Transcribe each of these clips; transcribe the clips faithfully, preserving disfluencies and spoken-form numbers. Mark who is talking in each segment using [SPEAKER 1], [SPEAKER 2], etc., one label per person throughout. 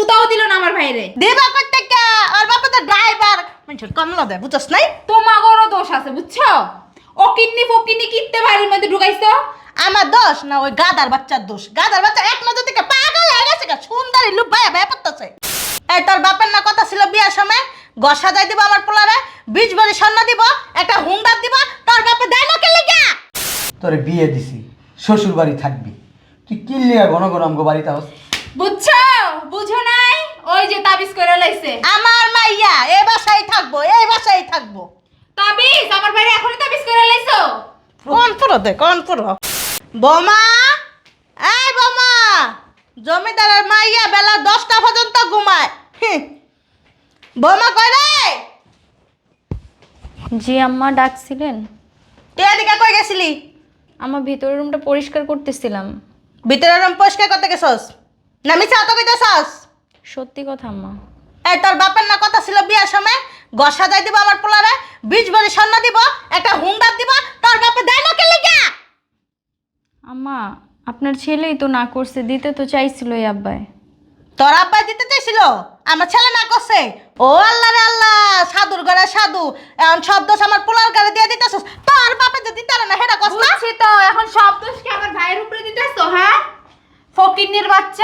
[SPEAKER 1] সুতাও দিল না আমার ভাইরে।
[SPEAKER 2] দেবা করতে কে? আর বাবা তো ড্রাইভার, মানুষের কমলা দেয়, বুঝছস নাই?
[SPEAKER 1] তোমাগরও দোষ আছে বুঝছো? ও কিডনি ফকিনি কিনতে বাড়ির মধ্যে ঢুকাইছো।
[SPEAKER 2] আমার দোষ না ওই গাদার বাচ্চার দোষ। গাদার বাচ্চা এক নজর থেকে পাগল হয়ে গেছে, গা সুন্দরী লুপ ভাইয়া ভাইয়া পড়তেছে। এই তোর বাপের না কথা ছিল বিয়ার সময় গস সাজাই দিব আমার পোলারে, বীজ ভরি স্বর্ণ দিব, একটা হুন্ডার দিব, তোর বাপে দেয় না কে লিগা?
[SPEAKER 3] তোরে বিয়ে দিছি, শ্বশুর বাড়ি থাকবি, তুই কিল্লিয়া ঘন ঘন আমগো বাড়িতে হস।
[SPEAKER 1] বুঝছো? বুঝো নাই? ওই যে তাবিজ করে লাইছে।
[SPEAKER 2] আমার মাইয়া এই বাসায় থাকবো, এই বাসায় থাকবো।
[SPEAKER 1] তাবিজ আমার ভাইরে এখনই তাবিজ করে লাইছো।
[SPEAKER 2] কোন পুরো দে, কোন পুরো? বোমা, এই বোমা, জমিদারের মাইয়া বেলা দশটা পর্যন্ত ঘুমায়। হুঁ। বোমা কই রে?
[SPEAKER 4] জি আম্মা ডাকছিলেন?
[SPEAKER 2] তুই এদিকে কই গেছিলি?
[SPEAKER 4] আমার ভিতরের রুমটা পরিষ্কার করতেছিলাম।
[SPEAKER 2] ভিতরে রুম পরিষ্কার করতে গেছস? না মিছা তো কইতেছস?
[SPEAKER 4] সত্যি কথা আম্মা।
[SPEAKER 2] এই তোর বাপের না কথা ছিল বিয়ার সময় গস সাজাই দিব আমার পোলারে, বীজ ভরি স্বর্ণ দিব, একটা হুন্ডার দিব, তোর বাপে দেয় না কে লিগা?
[SPEAKER 4] আম্মা আপনার ছেলেই তো না করছে, দিতে তো চাইছিল এই আব্বাই।
[SPEAKER 2] তোর আব্বাই দিতে চাইছিল, আমার ছেলে না করছে। ও আল্লাহ রে আল্লাহ, সাধুর ঘরে সাধু, এখন সব দোষ আমার পোলার ঘরে দিয়ে দিতেছস। তোর বাপে যদি তারা না হেডা কস না।
[SPEAKER 1] বুঝছি তো, এখন সব দোষ কি আমার ভাইয়ের উপরে দিতেছো? হ্যাঁ, ফকিন্নির বাচ্চা।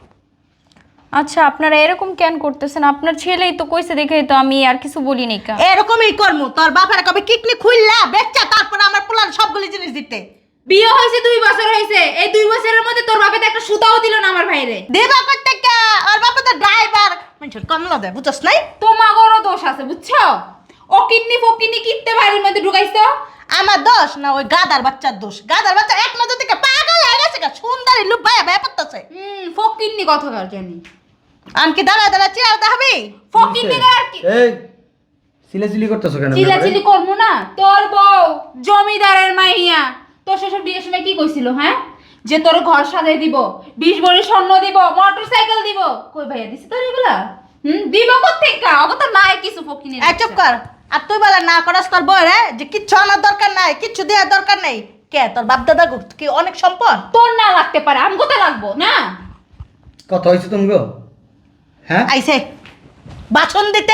[SPEAKER 4] আচ্ছা আপনারা এরকম কেন করতেছেন? আপনার ছেলেই তো কইছে দেখেই তো আমি আর কিছু বলি নাই কা।
[SPEAKER 2] এরকমই করমু, তোর বাপের কবে কিকনি খুললা বেচ্চা তারপরে আমার পোলার সবগুলি জিনিস দিতে।
[SPEAKER 1] বিয়ে হয়েছে দুই বছর হয়েছে, এই দুই বছরের মধ্যে তোর বাপে তো একটা সুতাও দিল না আমার ভাইরে।
[SPEAKER 2] দেবা করতে কে? আর বাপে তো ড্রাইভার, মানুষের কমলা দেয়, বুঝছস নাই?
[SPEAKER 1] তোমাগরও দোষ আছে বুঝছো? ও কিডনি ফকিনি কিনতে বাড়ির মধ্যে ঢুকাইছো।
[SPEAKER 2] আমার দোষ না ওই গাদার বাচ্চার দোষ। গাদার বাচ্চা এক নজর থেকে পাগল হয়ে গেছে, গা সুন্দরী লুপ ভাইয়া ভাইয়া পড়তেছে।
[SPEAKER 1] হুম, ফকিন্নি কথা কার জানি।
[SPEAKER 2] আমি কি দাঁড়া দাঁড়া চেয়ার দেখাবি?
[SPEAKER 1] ফকিন্নি আর কি
[SPEAKER 3] এই সিলাসিলি করতেছ কেন?
[SPEAKER 1] চিলাচিলি করবো না? তোর বউ জমিদারের মাইয়া তোর শ্বশুর বিয়ের সময় কি কইছিল? হ্যাঁ, যে তোর ঘর সাজাই দিব, বিশ ভরি স্বর্ণ দিব, মোটর সাইকেল দিব। কই ভাইয়া দিছে তোর এগুলা? হুম, দিব কোত্থেকে? অগ তো নাই কিছু ফকিনি।
[SPEAKER 2] এই চুপ কর। আর তুই বলে না করাস তোর বউ রে যে কিচ্ছু আনার দরকার নাই, কিচ্ছু দেওয়ার দরকার নেই। কে তোর বাপ দাদা কি অনেক সম্পদ?
[SPEAKER 1] তোর না লাগতে পারে, আমগো তো লাগবো না।
[SPEAKER 3] কথা হয়েছে তুমগো? হ্যাঁ
[SPEAKER 2] আইছে বাসন দিতে।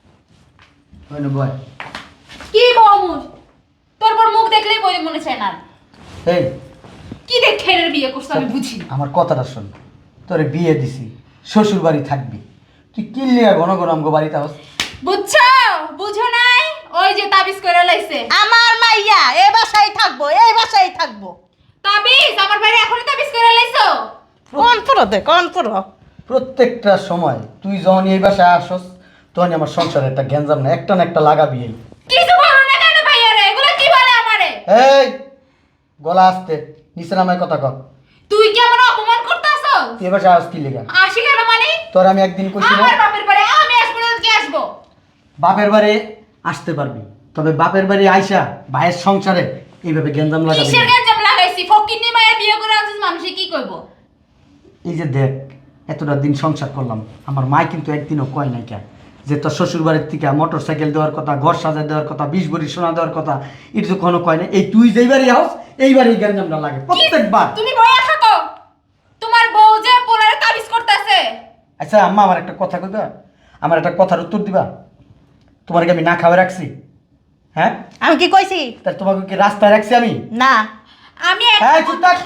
[SPEAKER 3] হয় না বয়?
[SPEAKER 1] কি বমুস? তোর পর মুখ দেখলেই বই মনে চায় না।
[SPEAKER 3] এই
[SPEAKER 1] কি দেখে এর বিয়ে করছ আমি বুঝি না।
[SPEAKER 3] আমার কথাটা শোন, তোরে বিয়ে দিছি, শ্বশুর বাড়ি থাকবি, তুই কিল্লিয়া ঘন ঘন আমগো বাড়িতে হস।
[SPEAKER 1] বুঝছো? বুঝো নাই? ওই যে তাবিজ করে লাইছে।
[SPEAKER 2] আমার মাইয়া এই বাসায় থাকবো, এই বাসায় থাকবো।
[SPEAKER 1] তাবিজ আমার ভাইরে এখনই তাবিজ করে লাইছো।
[SPEAKER 2] কোন পুরো দে, কোন পুরো?
[SPEAKER 3] প্রত্যেকটা সময় তুই যখন এই বাসায় আসস তখন আমার সংসারে একটা গ্যাঞ্জাম না একটা না একটা লাগাবি। এই
[SPEAKER 1] কিছু বলো না কেন ভাইয়া রে? এগুলো কি বলে আমারে?
[SPEAKER 3] এই গলা আসতে নিচে নামায় কথা কর।
[SPEAKER 1] তুই কি আমার অপমান করতাছস?
[SPEAKER 3] তুই এ বাসায় আস কি লেগা?
[SPEAKER 1] আসি কেন মানে?
[SPEAKER 3] তোর আমি একদিন কইছি না
[SPEAKER 1] আমার বাপের বাড়ি আমি আসবো না, কি আসবো?
[SPEAKER 3] বাপের বাড়ি আসতে পারবি, তবে বাপের বাড়ি আইসা ভাইয়ের সংসারে এইভাবে গ্যাঞ্জাম লাগাবি
[SPEAKER 1] কিসের
[SPEAKER 3] না।
[SPEAKER 1] গঞ্জাম লাগাইছি? ফকিন্নি মায়ের বিয়ে করে আনছিস, মানুষে কি কইবো?
[SPEAKER 3] এই যে দেখ এতটা দিন সংসার করলাম, আমার মা কিন্তু একদিনও কয় নাই কেন যে তোর শ্বশুর বাড়ির থেকে মোটর সাইকেল দেওয়ার কথা, ঘর সাজা দেওয়ার কথা, বিশ ভরি সোনা দেওয়ার কথা, এটা তো কোনো কয় না। এই তুই যেই বাড়ি হাউস এই বাড়ি গ্যাঞ্জামটা লাগে প্রত্যেকবার।
[SPEAKER 1] তুমি বইয়া থাকো, তোমার বউ যে পোলারে তাবিজ করতেছে।
[SPEAKER 3] আচ্ছা আম্মা আমার একটা কথা কইবা, আমার একটা কথার উত্তর দিবা? তোমার কি আমি না খাওয়া রাখছি? হ্যাঁ
[SPEAKER 2] আমি কি কইছি?
[SPEAKER 3] তাহলে তোমাকে কি রাস্তায় রাখছি আমি?
[SPEAKER 2] না।
[SPEAKER 1] আমি এক-
[SPEAKER 3] হ্যাঁ চুপ থাক।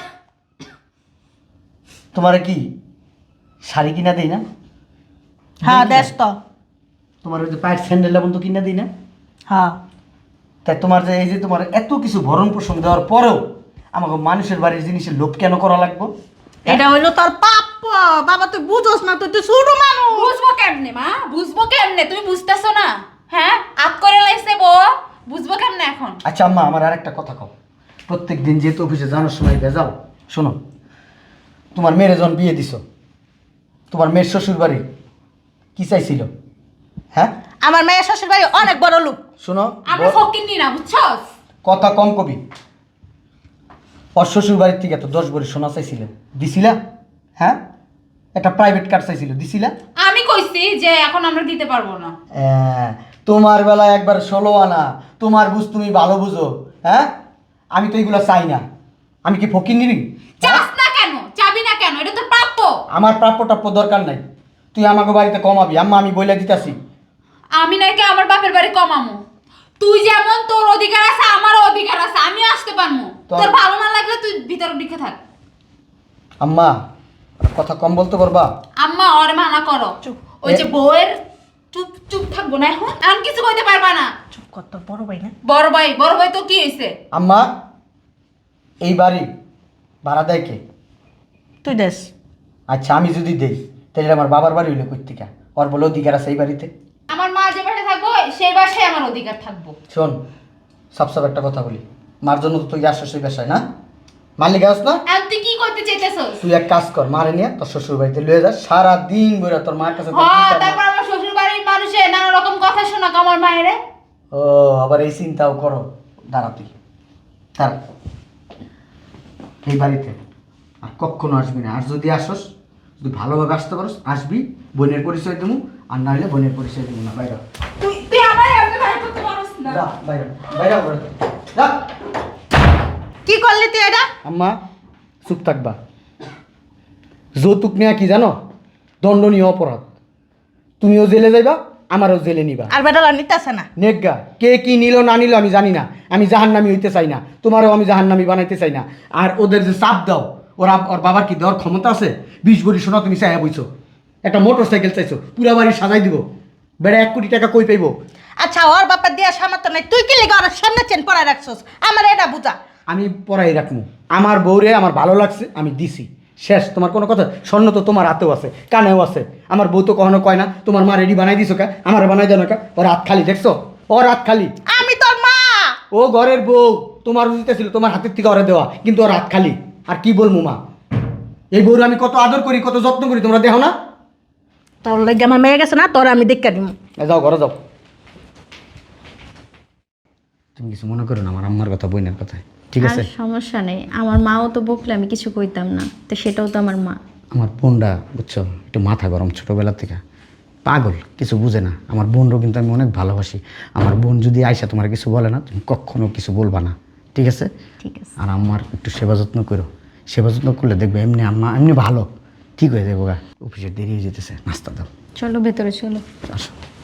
[SPEAKER 3] তোমার কি শাড়ি কিনা দেই না?
[SPEAKER 2] হ্যাঁ
[SPEAKER 3] দেই
[SPEAKER 2] দেশ
[SPEAKER 3] কিনা?
[SPEAKER 2] তো।
[SPEAKER 3] তোমার ওই যে পায়ের স্যান্ডেল এবং তো কিনা দিই না?
[SPEAKER 2] হ্যাঁ
[SPEAKER 3] তাই তোমার যে এই যে তোমার এত কিছু ভরণ পোষণ দেওয়ার পরেও আমাকে মানুষের বাড়ির জিনিসের লোভ কেন করা লাগবে?
[SPEAKER 2] এটা হইলো তোর পাপ। বাবা তুই বুঝোস না, তুই তুই ছোট মানুষ।
[SPEAKER 1] বুঝবো কেমনে মা? বুঝবো কেমনে? তুমি বুঝতেছো না? হ্যাঁ, আপ করে লাইছে বউ, বুঝবো কেমনে এখন?
[SPEAKER 3] আচ্ছা আম্মা আমার আর একটা কথা কও। প্রত্যেক দিন যেহেতু অফিসে জানার সময় ভেজাল, শোনো, তোমার মেয়ের যখন বিয়ে দিছো, তোমার মেয়ের শ্বশুর বাড়ি কি চাইছিল? হ্যাঁ
[SPEAKER 2] আমার মেয়ের শ্বশুর বাড়ি অনেক বড় লোক।
[SPEAKER 3] শোনো,
[SPEAKER 1] আমরা
[SPEAKER 3] ব-
[SPEAKER 1] ফকিন্নি না, বুঝছস?
[SPEAKER 3] কথা কম কবি। ওর শ্বশুর বাড়ির থেকে তো দশ ভরি সোনা চাইছিলেন, দিছিলা? হ্যাঁ একটা প্রাইভেট কার চাইছিল, দিছিলা?
[SPEAKER 1] আমি কইছি যে এখন আমরা দিতে পারবো না।
[SPEAKER 3] হ্যাঁ, তোমার বেলায় একবার ষোলো আনা, তোমার বুঝ তুমি ভালো বুঝো। হ্যাঁ আমি তো এইগুলো চাই না। আমি কি ফকির নিবি?
[SPEAKER 1] চাস না কেন? চাবি না কেন? এটা তো প্রাপ্য।
[SPEAKER 3] আমার প্রাপ্য টাপ্য দরকার নাই। তুই আমাকে বাড়িতে কমাবি। আম্মা আমি বইলা দিতাছি।
[SPEAKER 1] আমি নাকি আমার বাপের বাড়ি কমামু? তুই যেমন তোর অধিকার আছে আমারও অধিকার আছে, আমি আসতে পারবো।
[SPEAKER 3] তো-
[SPEAKER 1] তোর ভালো না লাগলে তুই ভিতর দিকে থাক।
[SPEAKER 3] আম্মা কথা কম বলতে পারবা?
[SPEAKER 1] আম্মা ওরে মানা করো।
[SPEAKER 2] চুপ।
[SPEAKER 1] ওই যে বউয়ের চুপ চুপ থাকবো না এখন, এখন কিছু কইতে পারবা না।
[SPEAKER 2] চুপ কর, তোর বড় ভাই না?
[SPEAKER 1] বড় ভাই, বড় ভাই তো কি হয়েছে?
[SPEAKER 3] আম্মা এই বাড়ি ভাড়া দেয় কে?
[SPEAKER 2] তুই দেশ।
[SPEAKER 3] আচ্ছা আমি যদি দেই তাহলে আমার বাবার বাড়ি হইলো কই থেকে? ওর বলে অধিকার আছে এই বাড়িতে।
[SPEAKER 1] আমার মা যে বাসায় থাকবো সেই বাসায় আমার অধিকার থাকবো।
[SPEAKER 3] শোন সব সব একটা কথা বলি, মার জন্য তো তুই আসছিস সেই বাসায় না? মালিক আস না?
[SPEAKER 1] এখন তুই কি করতে চাইতেছস?
[SPEAKER 3] তুই এক কাজ কর, মারে নিয়ে তোর শ্বশুর বাড়িতে লয়ে যা, সারা দিন বইরা তোর মার কাছে তোর
[SPEAKER 1] হ্যাঁ,
[SPEAKER 3] চিন্তা
[SPEAKER 1] তারপর
[SPEAKER 3] না।
[SPEAKER 1] আমার শ্বশুর বাড়ির মানুষে নানা রকম কথা শোনাক আমার মায়েরে।
[SPEAKER 3] ও আবার এই চিন্তাও করো। দাঁড়া তুই দাঁড়া, এই বাড়িতে আর কখনো আসবি না। আর যদি আসস, যদি ভালোভাবে আসতে পারস আসবি, বোনের পরিচয় দেবো, আর না হলে বোনের পরিচয় দেবো না। বাইরে
[SPEAKER 1] তুই তুই আমার এমনি ভাই করতে পারছ না।
[SPEAKER 3] যা, বাইরে বাইরে করে দে। যা।
[SPEAKER 2] কি করলি তুই এটা?
[SPEAKER 3] আম্মা চুপ থাকবা। যৌতুক নেওয়া কি জানো? দণ্ডনীয় অপরাধ। তুমিও জেলে যাইবা, আমারও জেলে নিবা।
[SPEAKER 2] আর বেটালা নিতেছে না।
[SPEAKER 3] নেগা কে কি নিল না নিল আমি জানি না। আমি জাহান্নামী হইতে চাই না, তোমারও আমি জাহান্নামী বানাইতে চাই না। আর ওদের যে চাপ দাও, ওরা ওর বাবার কি দেওয়ার ক্ষমতা আছে? বিশ ভরি সোনা তুমি চাইয়া বইছো, একটা মোটর সাইকেল চাইছো, পুরা বাড়ি সাজাই দিব। বেড়া এক কোটি টাকা কই পাইবো?
[SPEAKER 2] আচ্ছা ওর বাপের দিয়া সামর্থ্য নাই, তুই কি লিখে ওর সামনে চেন পড়ায় রাখছস? আমার এটা বুঝা।
[SPEAKER 3] আমি পড়াই রাখবো। আমার বউরে আমার ভালো লাগছে, আমি দিছি, শেষ। তোমার কোনো কথা? স্বর্ণ তো তোমার হাতেও আছে, কানেও আছে। আমার বউ তো কখনো কয় না তোমার মা রেডি বানাই দিছো কা, আমার বানাই দেন কা। ওর হাত খালি, দেখছো? ওর হাত খালি।
[SPEAKER 2] আমি তোর মা।
[SPEAKER 3] ও ঘরের বউ, তোমার উচিত ছিল তোমার হাতের থেকে ওরে দেওয়া, কিন্তু ওর হাত খালি। আর কি বলবো মা, এই বউর আমি কত আদর করি, কত যত্ন করি, তোমরা দেখো না?
[SPEAKER 2] তোর লাগে আমার মেয়ে গেছে না, তোর আমি দেখা দিব।
[SPEAKER 3] এ যাও ঘরে যাও। তুমি কিছু মনে করো না আমার আম্মার কথা, বোনের কথা, ঠিক আছে?
[SPEAKER 4] আর সমস্যা নেই, আমার মাও তো বকলে আমি কিছু কইতাম না, তো সেটাও তো আমার মা।
[SPEAKER 3] আমার বোনটা বুঝছো একটু মাথা গরম, ছোটোবেলা থেকে পাগল, কিছু বুঝে না। আমার বোনরও কিন্তু আমি অনেক ভালোবাসি। আমার বোন যদি আইসা তোমার কিছু বলে না, তুমি কখনো কিছু বলবা না, ঠিক আছে?
[SPEAKER 4] ঠিক আছে।
[SPEAKER 3] আর আমার একটু সেবা যত্ন করো। সেবা যত্ন করলে দেখবে এমনি আম্মা এমনি ভালো ঠিক হয়ে যাবো গা। অফিসে দেরি হয়ে যেতেছে, নাস্তা দাও।
[SPEAKER 4] চলো ভেতরে চলো।
[SPEAKER 3] আসো।